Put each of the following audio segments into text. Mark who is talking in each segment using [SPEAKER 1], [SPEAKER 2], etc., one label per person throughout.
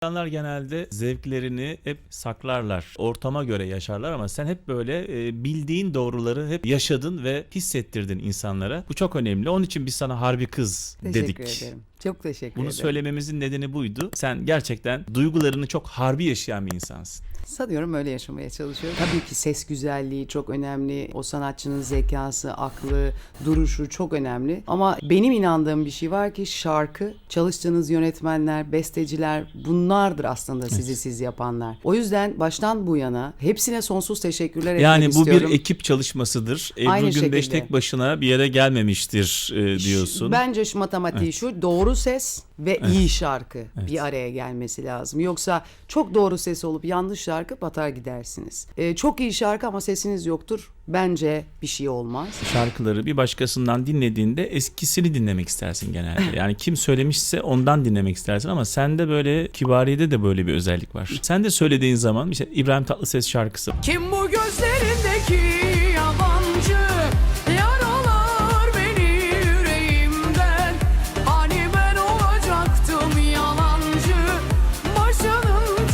[SPEAKER 1] İnsanlar genelde zevklerini hep saklarlar, ortama göre yaşarlar ama sen hep böyle bildiğin doğruları hep yaşadın ve hissettirdin insanlara. Bu çok önemli. Onun için biz sana Harbi Kız dedik.
[SPEAKER 2] Teşekkür ederim. Çok teşekkür
[SPEAKER 1] Bunu
[SPEAKER 2] ederim.
[SPEAKER 1] söylememizin nedeni buydu. Sen gerçekten duygularını çok harbi yaşayan bir insansın.
[SPEAKER 2] Sanıyorum öyle yaşamaya çalışıyorum. Tabii ki ses güzelliği çok önemli. O sanatçının zekası, aklı, duruşu çok önemli. Ama benim inandığım bir şey var ki şarkı, çalıştığınız yönetmenler, besteciler bunlardır aslında sizi siz yapanlar. O yüzden baştan bu yana hepsine sonsuz teşekkürler etmek
[SPEAKER 1] Yani bu
[SPEAKER 2] istiyorum.
[SPEAKER 1] bir ekip çalışmasıdır. Ebru
[SPEAKER 2] Aynı
[SPEAKER 1] Gündeş
[SPEAKER 2] şekilde.
[SPEAKER 1] tek başına bir yere gelmemiştir diyorsun.
[SPEAKER 2] Bence şu matematiği şu: doğru ses ve iyi şarkı bir araya gelmesi lazım. Yoksa çok doğru ses olup yanlış şarkı batar gidersiniz. Çok iyi şarkı ama sesiniz yoktur. Bence bir şey olmaz.
[SPEAKER 1] Şarkıları bir başkasından dinlediğinde eskisini dinlemek istersin genelde. Yani kim söylemişse ondan dinlemek istersin ama sende böyle, Kibariye'de de böyle bir özellik var. Sen de söylediğin zaman işte İbrahim Tatlıses şarkısı.
[SPEAKER 3] Kim bu gözlerindeki yabancı, yaralar beni yüreğimden. Hani ben olacaktım yalancı, başının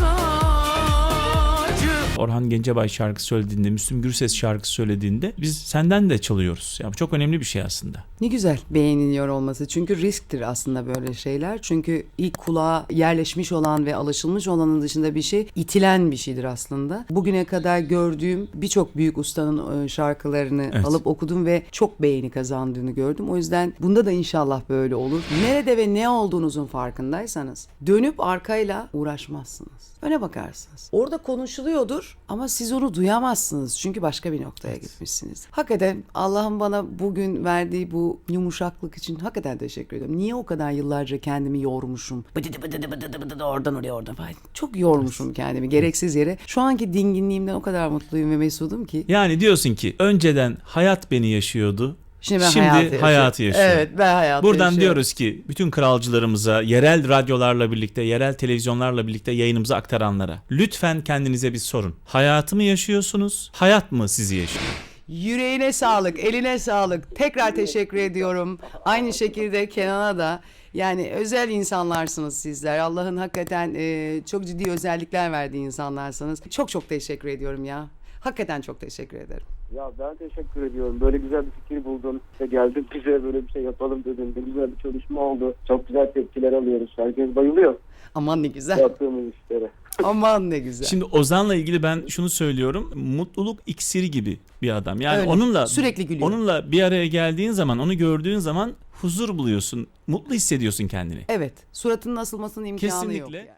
[SPEAKER 3] tacı.
[SPEAKER 1] Orhan Gencebay şarkı söylediğinde, Müslüm Gürses şarkı söylediğinde biz senden de çalıyoruz. Yani bu çok önemli bir şey aslında.
[SPEAKER 2] Ne güzel beğeniliyor olması. Çünkü risktir aslında böyle şeyler. Çünkü ilk kulağa yerleşmiş olan ve alışılmış olanın dışında bir şey itilen bir şeydir aslında. Bugüne kadar gördüğüm birçok büyük ustanın şarkılarını alıp okudum ve çok beğeni kazandığını gördüm. O yüzden bunda da inşallah böyle olur. Nerede ve ne olduğunuzun farkındaysanız dönüp arkayla uğraşmazsınız. Öne bakarsınız. Orada konuşuluyordur ama siz onu duyamazsınız. Çünkü başka bir noktaya gitmişsiniz. Hakikaten Allah'ın bana bugün verdiği bu yumuşaklık için hakikaten teşekkür ediyorum. Niye o kadar yıllarca kendimi yormuşum? Bıdıdı oradan oraya oradan falan. Çok yormuşum kendimi gereksiz yere. Şu anki dinginliğimden o kadar mutluyum ve mesudum ki.
[SPEAKER 1] Yani diyorsun ki önceden hayat beni yaşıyordu.
[SPEAKER 2] Şimdi ben
[SPEAKER 1] hayatı yaşıyorum.
[SPEAKER 2] Evet, ben hayatı
[SPEAKER 1] Buradan
[SPEAKER 2] yaşıyorum.
[SPEAKER 1] diyoruz ki bütün kralcılarımıza, yerel radyolarla birlikte, yerel televizyonlarla birlikte yayınımızı aktaranlara lütfen kendinize bir sorun. Hayatı mı yaşıyorsunuz? Hayat mı sizi yaşıyor?
[SPEAKER 2] Yüreğine sağlık, eline sağlık. Tekrar teşekkür ediyorum. Aynı şekilde Kenan'a da. Yani özel insanlarsınız sizler. Allah'ın hakikaten çok ciddi özellikler verdiği insanlarsınız. Çok çok teşekkür ediyorum ya. Hakikaten çok teşekkür ederim.
[SPEAKER 4] Ya ben teşekkür ediyorum. Böyle güzel bir fikir buldun. İşte geldin bize böyle bir şey yapalım dedin. Ne güzel bir çalışma oldu. Çok güzel tepkiler alıyoruz. Herkes bayılıyor
[SPEAKER 2] Aman ne güzel.
[SPEAKER 4] yaptığımız işlere.
[SPEAKER 2] Aman ne güzel.
[SPEAKER 1] Şimdi Ozan'la ilgili ben şunu söylüyorum. Mutluluk iksiri gibi bir adam. Yani
[SPEAKER 2] Öyle,
[SPEAKER 1] onunla
[SPEAKER 2] sürekli gülüyor.
[SPEAKER 1] Onunla bir araya geldiğin zaman, onu gördüğün zaman huzur buluyorsun. Mutlu hissediyorsun kendini.
[SPEAKER 2] Evet, suratının asılmasının imkanı yok.
[SPEAKER 1] Kesinlikle.
[SPEAKER 2] Yani.